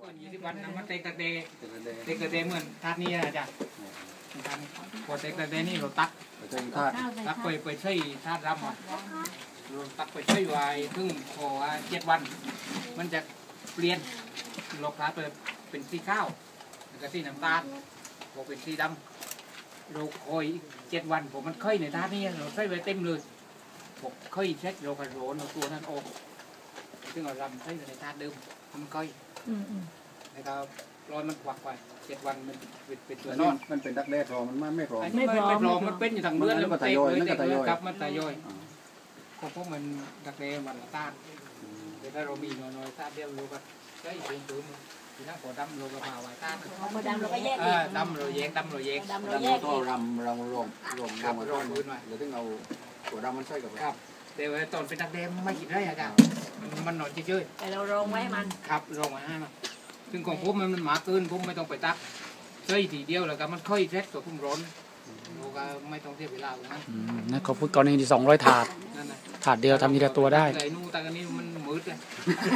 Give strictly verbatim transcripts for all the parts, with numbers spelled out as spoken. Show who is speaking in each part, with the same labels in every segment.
Speaker 1: ยี่สิบวันนะมันเตกตะเตเตกตะเตเหมือนทาดนี้นะจ๊ะพอเตกตะเตนี่เราตักตักไปไปใช้ทาดรำอ่ะเราตักไปใช้ไว้ถึงพอเจ็ดวันมันจะเปลี่ยนโลกาไปเป็นสีข้าวแล้วก็สีน้ำตาลพอเป็นสีดำเราคอยเจ็ดวันผมมันค่อยในทาดนี้เราใช้ไว้เต็มเลยผมค่อยเช็ดเรากระโดดเราตัวนั้นออกซึ่งเรารำใช้ในทาดเดิมมันค่อยแล้วก็รอยมันควักไปเจ็ดวันมันเป็นตัวนอน
Speaker 2: มันเป็นดักแด้พอมันไม่พอ
Speaker 1: ไม่พอไม่พอมันเป็นอยู่ทางเลือดแล้วมันเตะเลยเตะเลยครับมันตายย่อยก็เพราะมันดักแด้มันละต้านแต่ถ้าเรามีน้อยๆต้านเดียวเราก็ใช้สูงสูงทีนั้นพอดำเราก็พาไว้ต้าน
Speaker 3: พอดำเราก็แยก
Speaker 1: ดำเราแยกดำเราแยก
Speaker 3: ดำเราแยก
Speaker 2: ก็รำรำรวมรวม
Speaker 1: รวมรวมพื้นมา
Speaker 2: หรือต้องเอาตัวดำมันใส่กับ
Speaker 1: ครับแต่ว่าตอนเป็นดักแด้ไม่กินได้อาจารย์มันนอนเฉย
Speaker 3: ๆแต่เราลงไว้มัน
Speaker 1: ครับลงไว้ให้มันซึ่งของผมมันหมาเกินผมไม่ต้องไปตักใส่ทีเดียวแล้วก็มันค่อยเซ็ตตัวพุ่มร้อนเราก็ไม่ต้องเสียเวลาตรงนั้น
Speaker 4: นั่นเขาพูดกรณีที่สองร้อยถาดถาดเดียวทำทีละตัวได้
Speaker 1: ใส่นู่นแต่กันนี้มันมืดเลย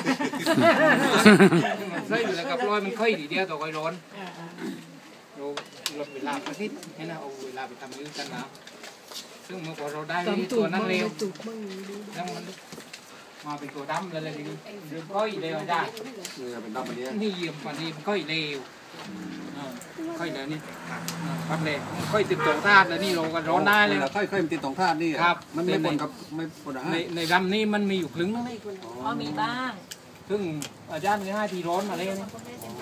Speaker 1: ใส่แล้วกับร้อยมันค่อยทีเดียวตัวค่อยร้อนเราลดเวลาไปนิดให้นะเอาเวลาไปทำยืดกันนะซึ่งเมื่อก่อนเราได้ตัวนั้นเร็วแล้วมันมาเป็นตัวดำเลยเลยทีนี้เรื่องค่อยเร็วได้นี่เยี่ยมกว่านี้ค่อยเร็วค่อยเร็วนี่ครับเลยค่อยติดตรงธาตุแล้วนี่เราก็ร้อนได้เลย
Speaker 2: ค่อยค่อยติดตรงธาตุนี่
Speaker 1: ครับ
Speaker 2: มันไม่ปนกับไม่ปน
Speaker 1: ในในดำนี่มันมีอยู่ครึ่งนึง
Speaker 3: อ๋อมีบ้าง
Speaker 1: ซึ่งอาจารย์มีให้ทีร้อนมาเลยนี่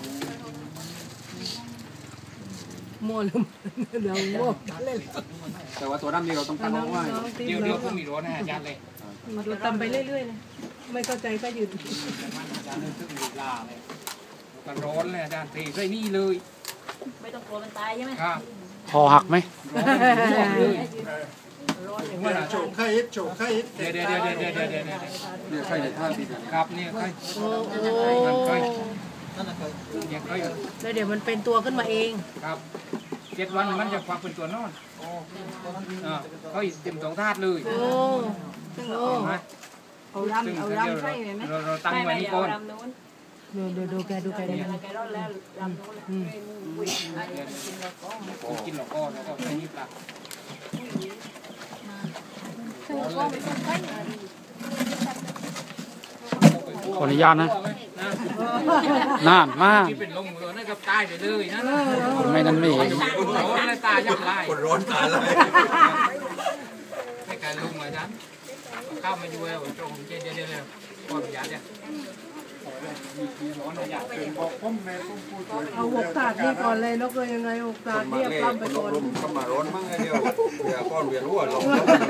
Speaker 5: มั่วลืมเดี๋ยวมั่วเล่น
Speaker 2: แต่ว่าตัวดำนี่เราต้องตั้งเอาไว้
Speaker 1: เดี๋ยวเดี๋ยวผมมีร้อนให้อาจารย์เลย
Speaker 5: เราทำไปเรื่อยๆนะไม่เข้าใจก็หยุด
Speaker 1: อาจารย์ซึ่งมีลาเลยกันร้อนเลยอาจารย์ทีใส่นี่เลย
Speaker 3: ไม่ต้องกลัวมันตายใช่ไหม
Speaker 4: ครับคอหักไหม
Speaker 2: โฉกไข่โฉกไข่
Speaker 1: เดี๋ยวเดี๋ยวเดี๋ยวเดี๋ยวเดี๋ยวเดี๋ยว
Speaker 2: เนี่ยไข่ในท่าที่
Speaker 1: ครับเนี่ยไข่ไข่เนี่ยไข่
Speaker 5: แล้วเดี๋ยวมันเป็นตัวขึ้นมาเอง
Speaker 1: ครับเจ็ดวันมันจะควักเป็นตัวนอนอ่าไข่เต็มสองธาตุเลย
Speaker 5: โอ้ซึ่งโอ้เอารำเอารำใช่ไหม
Speaker 1: เราเราตั้งไว้นี่ก่อน
Speaker 5: ดูดูดูแกดูแกเนี่ย
Speaker 3: แกร้อนแล้วรำนู้น
Speaker 1: กินหลอกก้อนแล้วก็ใส่นี่ปลา
Speaker 4: ขออนุญาตนะน่านมาก
Speaker 1: ที่เป็นลมร้อนนั่นก็ตายไปเลยนะ
Speaker 4: ไม่นั่นไม่เห็น
Speaker 1: ตายยับไล่
Speaker 2: คนร้อนตายเลย
Speaker 1: ให้การลุงอาจารย์ข้าวมาอยู่แล้วตรงเจเดียวเลยก่อนยาเนี่ย
Speaker 5: เอาหกตาดนี่ก่อนเลยนกเลยยังไงหกตาดเนี่ยปล้ำไปก่อน
Speaker 2: ก็มาร้อนมั้งไงเดียวเดี๋ยวก้อนเวียนหัวลง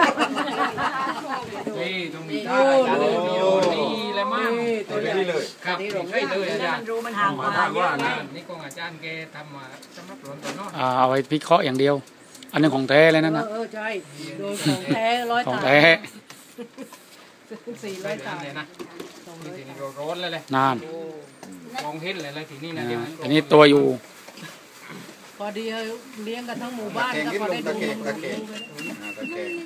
Speaker 1: นี่ต้องมีท่าอาจารย์เลยมีโอ้นี่เลยมั้ง
Speaker 2: ตัวนี้เลย
Speaker 1: ครับใช่เลยอาจารย์
Speaker 3: รู้มันห่างมาเยอะ
Speaker 1: นี่กองอาจารย์แกทำมาสำหรับหลวงตัวน
Speaker 4: อกเอาไว้พิเคราะห์อย่างเดียวอันนึงของแท้เลยนั่นนะ
Speaker 5: เออใช่โดยของแท้ร้อยตา
Speaker 4: ของแท้
Speaker 5: สี่ร้อยตา
Speaker 1: เลยนะทีนี้ร้อนเลยเลย
Speaker 4: นาน
Speaker 1: มองเห็นเลยเลยทีนี้นะเดี๋ยว
Speaker 4: อันนี้ตัวอยู่
Speaker 5: พอดีเลี้ยงกันทั้งหมู่บ้านก็พอได้ดู
Speaker 2: ตะเกียบตะเกียบ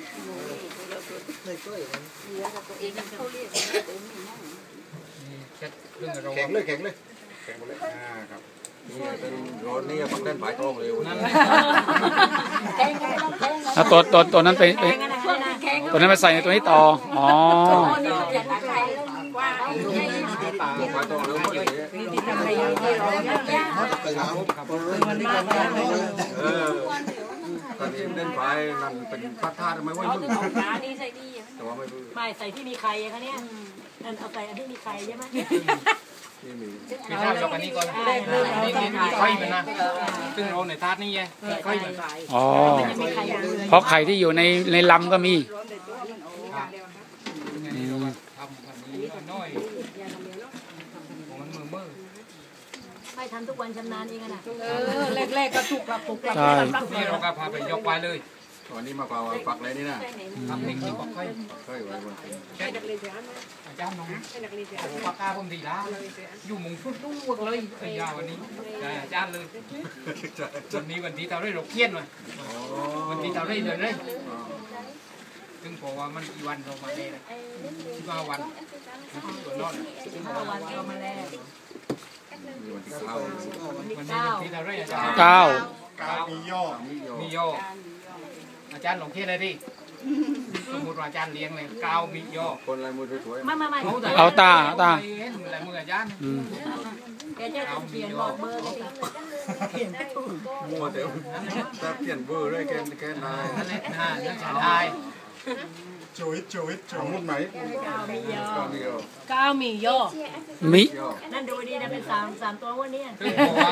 Speaker 2: แข็งเลยแข็งเลยแข็งเลยครับนี่เป็นร้อนนี่ปักเต้นผายทองเร็วนั่น
Speaker 4: แล้วตัวตัวตัวนั้นไปตัวนั้นไปใส่ในตัวนี้ต่ออ๋อ
Speaker 2: ผายทองเร็วเลย
Speaker 5: นี่ที่ทำให้เราที่เราเนี่ยมันมากเลย
Speaker 2: เออตอนนี้เล่นผายนั่นเป็นพัดท่าทำไมวะยุ่ง
Speaker 3: นี่ใส่ดีแต่ว่าไม่ไม่ใส่ที่มีไข่คะเนี่ยนั่นเอาใส่อันที่มีไข่ใช่ไหม
Speaker 1: มีข้าวยกอันนี้ก่อนนี่นี่มีไข่มันนะซึ่งเราในธาตุนี่ไงไข่มัน
Speaker 4: อ๋อเพราะไข่ที่อยู่ในในลำก็มี
Speaker 1: ทำแบบนี้น้อยมันมือมือ
Speaker 3: ไม่ทำทุกวันชำนาญเองนะ
Speaker 5: เออแรกๆก็ถูกปรับปรุงปรับ
Speaker 1: นี่เราก็พาไปยกไปเลย
Speaker 2: วันนี้มาเป่าปักเลยนี่นะ
Speaker 1: ทำเองที่บอกค่อย
Speaker 2: ค่อยไว้บนตีน
Speaker 1: อาจารย์น้องปากกาผมดีแล้วอยู่มุงฟุ่ตู้เลยไอ้ยาวันนี้อาจารย์เลยวันนี้วันที่เราได้เราเคี่ยนมาวันที่เราได้เลยเลยซึ่งพอว่ามันกี่วันเรามาเลยสิบห้าวันตัวนอน
Speaker 3: สิบห้าวันเรามาแล้ว
Speaker 2: นี่วันที่เก้า
Speaker 1: วันนี้วันที่อะไรอาจารย์
Speaker 4: เก้า
Speaker 1: เก้ามีโยมีโยอาจารย์ลงเทียนเลยดิสมมติว่าอาจารย์เลี้ยงเลยเก้ามีโย
Speaker 2: คนลายมือสวย
Speaker 3: ไม่ไม่ไม่
Speaker 4: เอาตาเอาตา
Speaker 1: เห็นอะไรมืออาจารย์
Speaker 4: อืม
Speaker 3: แกจะเปลี่ยนบอกเบอร์เลยเปลี่ยนไม่ถูก
Speaker 2: ๆมัวแต่ถ้าเปลี่ยนเบอร์ได้แกนแกนนาย
Speaker 1: นั่นแหละนะนั่นจะได้
Speaker 5: จุยจุยจุ
Speaker 2: ส
Speaker 5: ย
Speaker 2: มมุติไหน
Speaker 3: เก้ามียอ
Speaker 2: ก็มีโย
Speaker 3: เก้ามียอ
Speaker 4: มิ
Speaker 2: โย
Speaker 3: นั่นดูดีนะเป็นสามสามตัววันนี้
Speaker 1: คือบอกว่า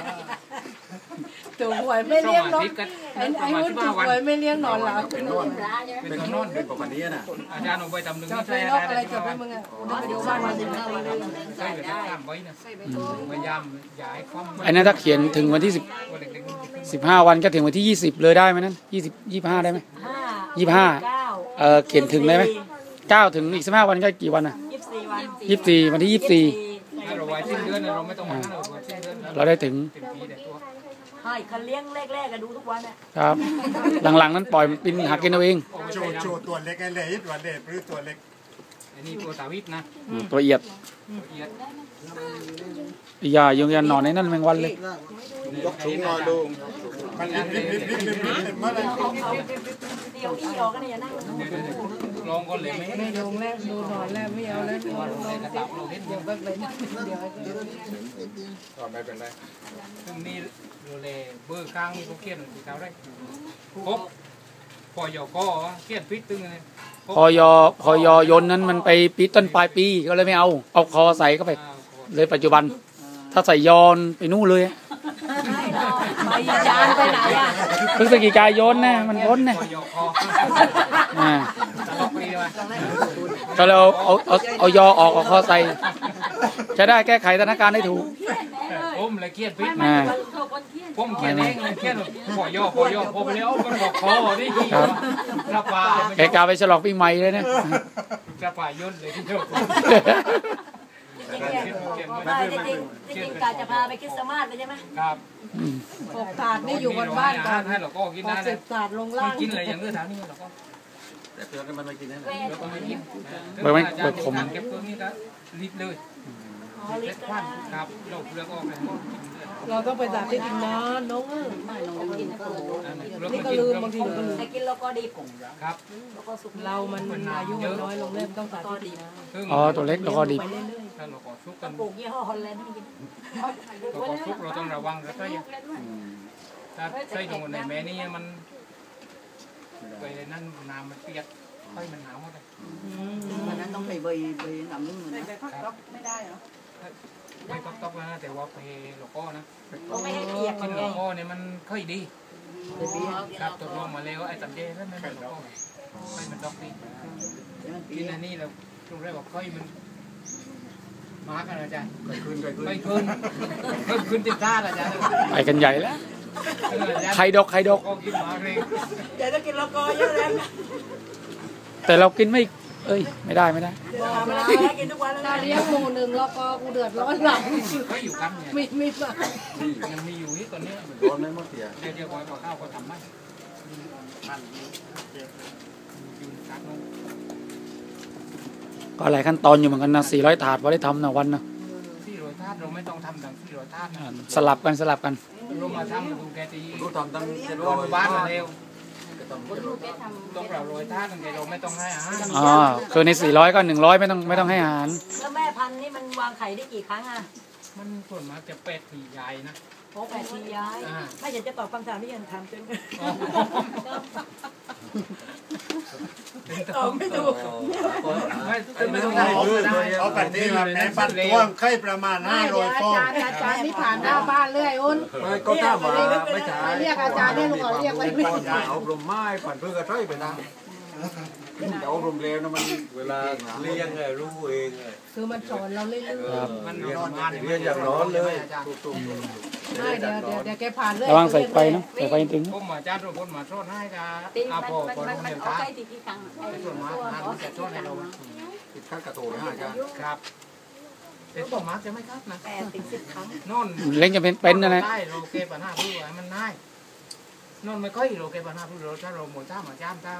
Speaker 6: ถูกหวยไม่เลี้ยง
Speaker 1: ส
Speaker 6: น
Speaker 1: มาก ธิกัน
Speaker 6: ไอ้
Speaker 1: ป
Speaker 6: ไอ้
Speaker 1: ระมาณ
Speaker 6: หุ้น
Speaker 1: สิบ
Speaker 6: ถู
Speaker 1: ห้าก วัน
Speaker 6: หวยไม่เลี้ยงนอนหลับ
Speaker 2: เป็นนอนเป็นนอนเป็นปกติน่ะ
Speaker 1: อาจารย์เอาไปทำหนึ่ง
Speaker 6: จอด
Speaker 1: นี่
Speaker 6: ไป
Speaker 1: ใช่
Speaker 6: นก
Speaker 1: อะ
Speaker 6: อะไร
Speaker 1: ไร
Speaker 6: จอดไปมึงอ่ะกูนึกว่าอยู่บ้านมาสิบห้าวันแล้ว
Speaker 1: ใช่แบบข้ามไว้นะพยายามย้ายความ
Speaker 4: ไอ้นั่นถ้าเขียนถึงวันที่สิบ
Speaker 1: ว่าเด็กๆมันจะขึ้น
Speaker 4: สิบห้าวันก็ถึงวันที่ยี่สิบเลยได้ไหมนั่นยี่สิบยี่สิบห้าได้ไหม
Speaker 3: ห้า
Speaker 4: ยี่สิบห้า
Speaker 3: เก้า
Speaker 4: เออเขียนถึงได้ไหมเก้าถึงอีกสิบห้าวันก็กี่วันอ่ะ
Speaker 3: ยี่สิบสี่วัน
Speaker 4: ยี่สิบสี่วันที่ยี่สิบสี่
Speaker 1: ถ้าเราไว้สิ้นเดือนเราไม่ต้องมาเราไว้สิ้นเดือน
Speaker 4: เราได้ถึง
Speaker 1: เต็มที่แต่ตัว
Speaker 3: ให้คันเลี้ยงแรกๆก็ดูทุกวันอ่ะ
Speaker 4: ครับ หลังๆนั้นปล่อยมันปินหากินเอาเอง
Speaker 5: โจโจตัวเล็กไอ้เล็กตัวเล็กหรือตัวเล็ก
Speaker 1: อันนี้ตัวสาวิตนะ
Speaker 4: ตัวเอียด
Speaker 1: ละเอียด
Speaker 4: อย่ายังยันนอนในนั้นแมงวันเลย
Speaker 2: ยกสูงหน่อยดู
Speaker 5: มันริบริบริบริบริบริบเมื่อไร
Speaker 3: เดี๋ยวอีออกกันเนี่ยนั่ง
Speaker 1: เดี๋ยวๆลองก่อนเลยไหม
Speaker 6: ไม่ลงแล้วดูนอนแล้วไม่เอาแล้วดู
Speaker 1: ว่าเราในกระตับเราเห็น
Speaker 6: เดี๋ยวแบบเลยเดี๋ยว
Speaker 2: ก็ไม่เป็นไร
Speaker 1: ซึ่งนี่เราเลยเบอร์กลางนี่เขาเขียนสีขาวได้ครบพอยอก็เขียนพิษตึงเลย
Speaker 4: พอยอพอยอยนนั้นมันไปปีต้นปลายปีก็เลยไม่เอาเอาคอใส่เข้าไป เลยปัจจุบัน ถ้าใส่ยอนไปนู่นเลย
Speaker 3: ไปยานไปไหนอ่ะ
Speaker 4: พฤศจิกายนนะมันพ้นนะ
Speaker 1: พอยอคอ
Speaker 4: อ่า
Speaker 1: ตลกดีว่ะ
Speaker 4: ก็เราเอาเอาเอายอออกเอาคอใส่จะได้แก้ไขสถานการณ์ได้ถูก
Speaker 1: ผมเลยเขียนพิษ
Speaker 4: อ่า
Speaker 1: ผมเขียนเองเลยเขียนพอยอพอยอพอไปแล้วมันบอกคอนี่
Speaker 4: ครับ
Speaker 1: กระป่า
Speaker 4: แกกาไปฉลองปีใหม่เลยนะ
Speaker 1: กระป่าย่นเลยที่เจ้า
Speaker 3: ไม่จริงจริงกาจะพาไปคริสต์มาสเลยใช่ไหม
Speaker 1: ครับ
Speaker 6: หกถาดนี่อยู่บนบ้านก่อน
Speaker 1: ให้เราก็กิน
Speaker 6: ห
Speaker 1: ได้
Speaker 6: ก
Speaker 1: เล
Speaker 6: สิ
Speaker 1: ย
Speaker 6: บถาดลง
Speaker 1: ไม่
Speaker 6: ล่าง
Speaker 1: กินอะไรอย่างเงี้ยแถวนี้เราก็
Speaker 2: แต่เตือนกันมันไม่กินนะ
Speaker 1: เราก็ไม่กิน
Speaker 4: เบอร์ไม่เบอร์ผม
Speaker 1: เก็บเพิ่มนี่ก็ลิตรเลย
Speaker 3: อ๋อลิ
Speaker 1: เล็
Speaker 3: ต
Speaker 1: ด
Speaker 3: ร
Speaker 1: ควันครับโรคเลือดออกเลย
Speaker 6: เราต้องไปสาธิตอีกนานน้องเออนี่ก็ลืมบางทีก็ลืม
Speaker 3: แต่กินแล้วก็ดิบ
Speaker 1: ครับ
Speaker 3: แล้วก็สุก
Speaker 6: เรามันอายุมันน้อยลงเริ่มต้องสาธิตนะ
Speaker 4: อ๋อตัวเล็กแล้วก็ดิบ
Speaker 6: ไปเรื่อย
Speaker 1: ถ้าเราขอซุกกัน
Speaker 3: ปลูกยี่ห้อฮอลแลนด์ให้กิน
Speaker 1: เราขอซุกเราต้องระวังแล้วก็ถ้าใส่ลงในแม่นี่มันไปนั่นน้ำมันเปียกไฟมันหนาวหมดเลย
Speaker 7: วันนั้นต้องไปใบใบหนำนึ่งเลยนะ
Speaker 6: ไม่ได้เหรอ
Speaker 1: ไม่ต้องตกนะแต่ว่าเพโลโก้นะ
Speaker 3: ก็ไม่ให้เปียก
Speaker 1: กิน
Speaker 3: ไง
Speaker 1: โลโก้เนี่ยมันค่อยดีครับตกลงมาแล้วไอ้ตัดเจแล้วไม่เป็นโลโก้ค่อยมันดอกดีกินอันนี้เราตรงแรกบอกค่อยมันมากันอาจารย์
Speaker 2: ไก่ขึ้นไก่ขึ้น
Speaker 1: ไม่ขึ้นเพิ่มขึ้นติดท่าอาจารย์
Speaker 4: ไปกันใหญ่แล้วใครดกใครดก
Speaker 1: ก็กินมาเลย
Speaker 3: เดี๋ยวจะกินแล้วก็เยอะเลย
Speaker 4: แต่เรากินไม่ เอ้ย ไม่ได้ไม่ได้
Speaker 3: บอกมาแล้วกินทุกวันแล้ว
Speaker 6: ถ้าเลี้ยงหมูหนึ่งแล้วก็กูเดือดร้อนหลัง
Speaker 1: ก็อยู่กันเนี่ย
Speaker 6: ไม่ไม่มา
Speaker 1: ยังมีอยู่ที่ตอนนี้
Speaker 2: ร้อนไม่หมดเสีย
Speaker 1: เดี๋ยวเดี๋ยวก่อนข้าวก็ทำไม่อยู่กันนู้น
Speaker 4: ก็หลายขั้นตอนอยู่เหมือนกันนะสี่ร้อยถาดว่าได้ทำนะวันนะ
Speaker 1: ที่โรยธาตุเราไม่ต้องทำดังที่โรยธาตุนะ
Speaker 4: อ่าสลับกันสลับกัน
Speaker 1: เรามาทำดูแกตี
Speaker 2: รู้ทำตั้งเจ็ด
Speaker 1: ร
Speaker 2: ร้
Speaker 1: อ
Speaker 2: อย
Speaker 1: นบ้านมาเร็ว
Speaker 2: ก็ต้องเจ็ดร้อย
Speaker 1: ต้องเราโรยธาตุตั้งแต่เราไม่ต้องให้อาหาร
Speaker 4: อ๋อ คือในสี่ร้อยก็หนึ่งร้อยไม่ต้องไม่ต้องให้อาหาร
Speaker 3: แล้วแม่พันธุ์นี่มันวางไข่ได้กี่ครั้งอ่ะ
Speaker 1: มันส่วนมากจะเป็ดที่ใหญ่นะ
Speaker 3: โอ้แปดทีย้ายไม่อยากจะตอบคำถามที่ยังถามจนตอบไม่ถูก
Speaker 1: ไม่ไม่ต้อง
Speaker 5: เอา
Speaker 1: ทำ
Speaker 5: เอาแบบนี้มาแม่ปันตัวไข่ประมาณห้าร้อยฟอง
Speaker 6: อาจารย์อาจารย์นี่ผ่านหน้าบ้านเรื่อยอุ้น
Speaker 2: ไม่ก็ถ้ามาไม่ใช่
Speaker 6: เรียกอาจารย์เนี่ยลูกขอเรียกไว้ไม่
Speaker 2: อย่าอบรมไม้ผ่านเพื่อกระใช้ไปนะแต่อบรมเร็วนะมันเวลาเลี้ยงไงรู้เองไง
Speaker 6: คือมันสอนเราเรื่อย
Speaker 4: ครับ
Speaker 1: มันนอนงาน
Speaker 2: เรียนอย่างร้อนเลยถูก
Speaker 6: ๆไม่เดี๋ยวเดี๋ยวเดี๋ยวแกผ่านเรื่อย
Speaker 4: ระวังใส่ไฟเนาะใส่ไฟถึง
Speaker 1: ผมมาจ้างทุกคนมาโทษให้กับ
Speaker 3: ตี
Speaker 1: อา
Speaker 3: มัน
Speaker 1: โป
Speaker 3: มัน
Speaker 1: ปอน
Speaker 3: มัน
Speaker 1: โรง
Speaker 3: มัน
Speaker 1: เรียน
Speaker 3: เอา
Speaker 1: ท่า
Speaker 3: ใกล้ตีกี่ครั้งไอ้
Speaker 1: ส่วนมากงานมันจะโทษให้เรา
Speaker 2: ติดขั้นกระโถนห้าจ้า
Speaker 1: ครับแต่ส่วนมากจะไม่ครับนะ
Speaker 3: แปดถึงสิบครั้ง
Speaker 1: นอน
Speaker 4: เล้งจะเป็นเป็นนะนะ
Speaker 1: ได้เราเก็บปัญหาผู้ไว้มันง่ายนอนไม่ค่อยเราเก็บปัญหาผู้เราถ้าเราหมดท่ามาจ้ามถ้า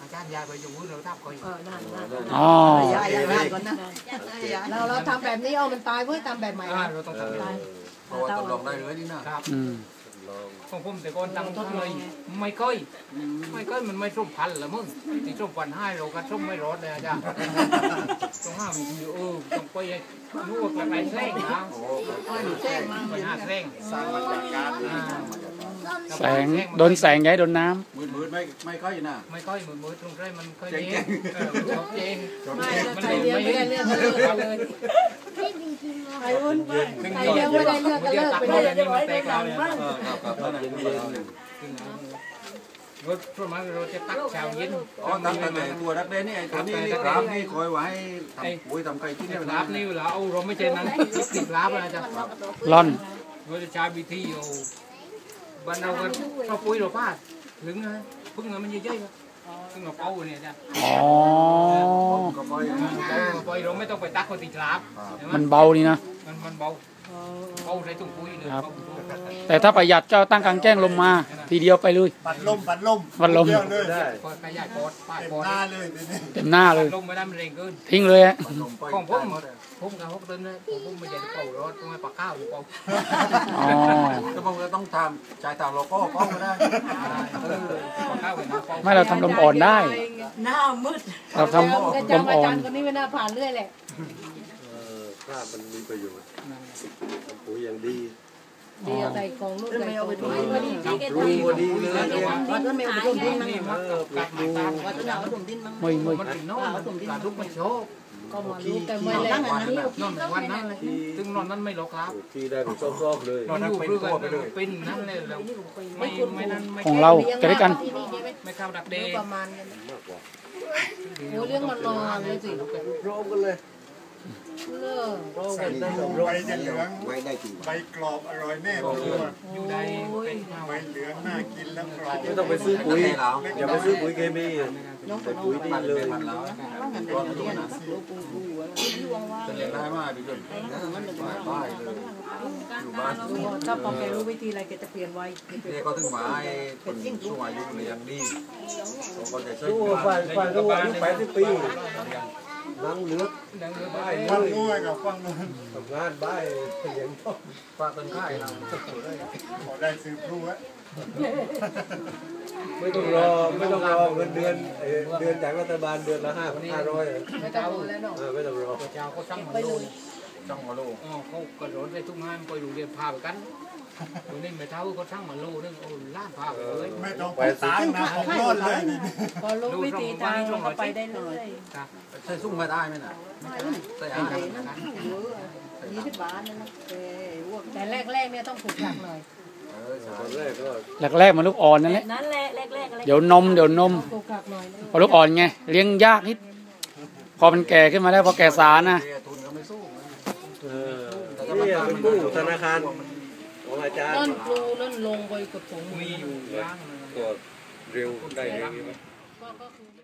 Speaker 1: อาจารย์ยายไปอยู่มือเราทับคอย
Speaker 6: เออนั่นนั่น
Speaker 4: อ๋อ
Speaker 7: ยายยายก่อนนะ
Speaker 6: เราเราทำแบบนี้เอามันตายเพื่อทำแบบใหม่
Speaker 1: อ่าเราต้องทำได้
Speaker 2: เพราะว่าทดลองได้เลยนี่นะครับ
Speaker 4: อืม
Speaker 1: ของผมแต่ก่อนตั้งทุกเลยไม่ค่อยไม่ค่อยมันไม่ส้มพันละมึงที่ส้มพันให้เราก็ส้มไม่รอดเลยอาจารย์ต้องห้ามอยู่เออต้องไปรู้ว่าอะไรแท่งนะ
Speaker 7: แจ้งมา
Speaker 1: ไปหาแท่ง
Speaker 2: สร้างมาจากการ
Speaker 4: แสงโดนแสงย้ายโดนน้
Speaker 2: มืดมืดไม่ไม่ค่อยนะ
Speaker 1: ไม่ค่อยมือมือตรงไรมันค่อย
Speaker 2: เจ๊ง
Speaker 1: เจ๊งเออมันชอบเจ๊ง
Speaker 6: ไม่ใครเลี้ยงไม่ได้เลือกก็เลิกกันเลยใครอุ้นใครเลี้ยงไม่ได้เลือกก็เลิกไปเลย
Speaker 1: นี่มันแตกเราเนี่ย
Speaker 2: เออครับครับนั่นเย็น
Speaker 1: รถส่วนมากเราจะตักเช้าเย็น
Speaker 2: อ๋อตั้งแต่ตัวนักเรียนนี่ไอ้ตัวนี้นี่ครับนี่คอยไว้ทำปุ๋ยทำไก่ที่นี่
Speaker 1: ลาบนี่เราเอาเราไม่ใช่นั้นติดลาบนะจ๊ะ
Speaker 4: ำร่อน
Speaker 1: เราจะใช้วิธีเอาบ้านเราก็เราปุ๋ยเราพลาดถึงนะพึ่งมันเยอะๆพึ่งเราเป่าเนี่ยจ้ะ
Speaker 4: อ๋อ
Speaker 2: ก็ปล่อย
Speaker 1: ปล่อยเราไม่ต้องไปตักคนติดลาบ
Speaker 4: มันเบานี่นะ
Speaker 1: มันมันเบาเบาใส่ถุงปุ๋ยเลย
Speaker 4: แต่ถ้าประหยัดก็ตั้งกลางแจ้งลมมา ทีเดียวไปเลย
Speaker 5: ปัดลมปัดลม
Speaker 4: ปัดลม
Speaker 5: เดียวเลย
Speaker 2: ได้
Speaker 1: พอขยายปอดป้าย
Speaker 5: เต็ม
Speaker 1: ปอด
Speaker 5: หน้าเลยทีนี้
Speaker 4: เต็มหน้าเลย
Speaker 1: ลมไม่ได้มันแรงเกิน
Speaker 4: ทิ้งเลยฮะ
Speaker 1: ของผมผมกับพวกต้นนะผมผมไม่ใช่เป่ารถผมไม่ปากข้าวอยู่เป่า
Speaker 4: อ๋อ
Speaker 2: ก็มันก็ต้องทำชายทางโลโก้ก็ไม่ได้
Speaker 1: เออปากข้าวเป็นน้ำเป่า
Speaker 4: ไม่เราทำลมอ่อนได้
Speaker 3: หน้ามืด
Speaker 4: เราทำล
Speaker 6: จำ
Speaker 4: ม
Speaker 6: อา
Speaker 4: อ่อ
Speaker 6: จาน รย์คนนี้ไม่น่าผ่านเรื่อยแหละ
Speaker 2: ข้ามันมีประโยชน์ปุ๋ยอย่างดี
Speaker 6: ดีใส่ของลูกใส่ของ
Speaker 2: รู้พอดีเลย
Speaker 7: ว่าต้นเมลต้นดินมั้ง
Speaker 1: นี่มันกัดมาตาม
Speaker 7: ว่าต้นเอาต้นดินมั้ง
Speaker 4: ไม่ไม่
Speaker 1: มันเป็นโน่นการลุกมันโชก
Speaker 6: ก็มาลูกแต่ไม่แรง
Speaker 1: นอนวันนั้นเลยถึงนอนนั้นไม่หรอกครับ
Speaker 2: ที่ได้เป็นซอกๆเลย
Speaker 1: นอนอยู่เพื่อเป็นนั่นเลยเราไม่ไม่นั่นไม่
Speaker 4: ของเราจะได้กัน
Speaker 1: ไม่เข้าดักเดย์
Speaker 6: ประมาณนี้โอ้เรื่องมันนอนเลยสิ
Speaker 2: โรมกันเลย
Speaker 6: เลิก
Speaker 2: โรมกันได้โรม
Speaker 5: ใบจะเหลืองใบกรอบอร่อยแน่ผมว่า
Speaker 1: อยู่ใดเป็น
Speaker 5: ใบเหลืองน่ากินแล้วกรอบ
Speaker 2: ไม่ต้องไปซื้อปุ๋ยอย่าไปซื้อปุ๋ยเคมีใส่ปุ๋ยดีเลยจะเลี้ยงได้มากดีจนบ้าเลยอยู่บ้าน
Speaker 6: ถ้าพอแกรู้วิธีอะไรแกจะเปลี่ยนไว้
Speaker 2: นี่ก็ถึงมาไอ้คนช่วงอายุเลยยังดีเขาจะช่วย
Speaker 8: ดูฝ่ายฝ่ายดูอายุแปดสิบปีนั่งเลือก
Speaker 1: ดังเรือ
Speaker 8: บ้า
Speaker 1: บ้าน
Speaker 5: ฟังนู้นกับฟังนู้น
Speaker 8: ทำงานบ้านเลี้ยงพ่อ
Speaker 2: ฝากต้นข้ายเรา
Speaker 5: ขอได้ซื้อพลูอะ
Speaker 8: ไม่ต้องรอไม่ต้องรอเงินเดือนเดือนจากรัฐบาลเดือนละห้าพันห้าร้อย
Speaker 6: ไม่ต้องรอแล้วเนาะ
Speaker 8: ไม่ต้องรอ
Speaker 1: เจ้าเขาช่างมันโลช่างมันโลอ๋อเขากระโดดในทุ่งงานไปดูเรียนพาไปกันตัวนี้ไม่เท่าเขาช่างมันโลนึงโอ้ล้านพาไปเลย
Speaker 5: ไม่ต้องไปตายนะผมรอดเลยนี่
Speaker 6: พอรู้วิธีทางเราก็ไปได้เลย
Speaker 2: ใช้ซุ่มมาได้ไหมน่ะใส่อาหาร
Speaker 7: ยี่สิบบาทนะเอ้อ้วก
Speaker 6: แต่แรกๆเนี่ยต้องฝึกหนักหน่อย
Speaker 2: เออใช่
Speaker 8: ตอนแรกก็
Speaker 4: แรกๆมันลูกอ่อนนั่นแหละ
Speaker 3: นั่นแหละแรกๆอะไร
Speaker 4: เดี๋ยวนมเดี๋ยวนม
Speaker 6: ฝึกหนักหน่อย
Speaker 4: พอลูกอ่อนไงเลี้ยงยากนิด พอมันแก่ขึ้นมาแล้วพอแก่สารนะ
Speaker 2: ทุนก็ไม่สู้
Speaker 8: เออนี่เป็นกู้ธนาคารของอาจารย์
Speaker 6: นั่นครูนั่นลงไปกับสง
Speaker 1: มีอยู่ย่าง
Speaker 8: ก็เร็วได้เร็ว
Speaker 6: ก็คือ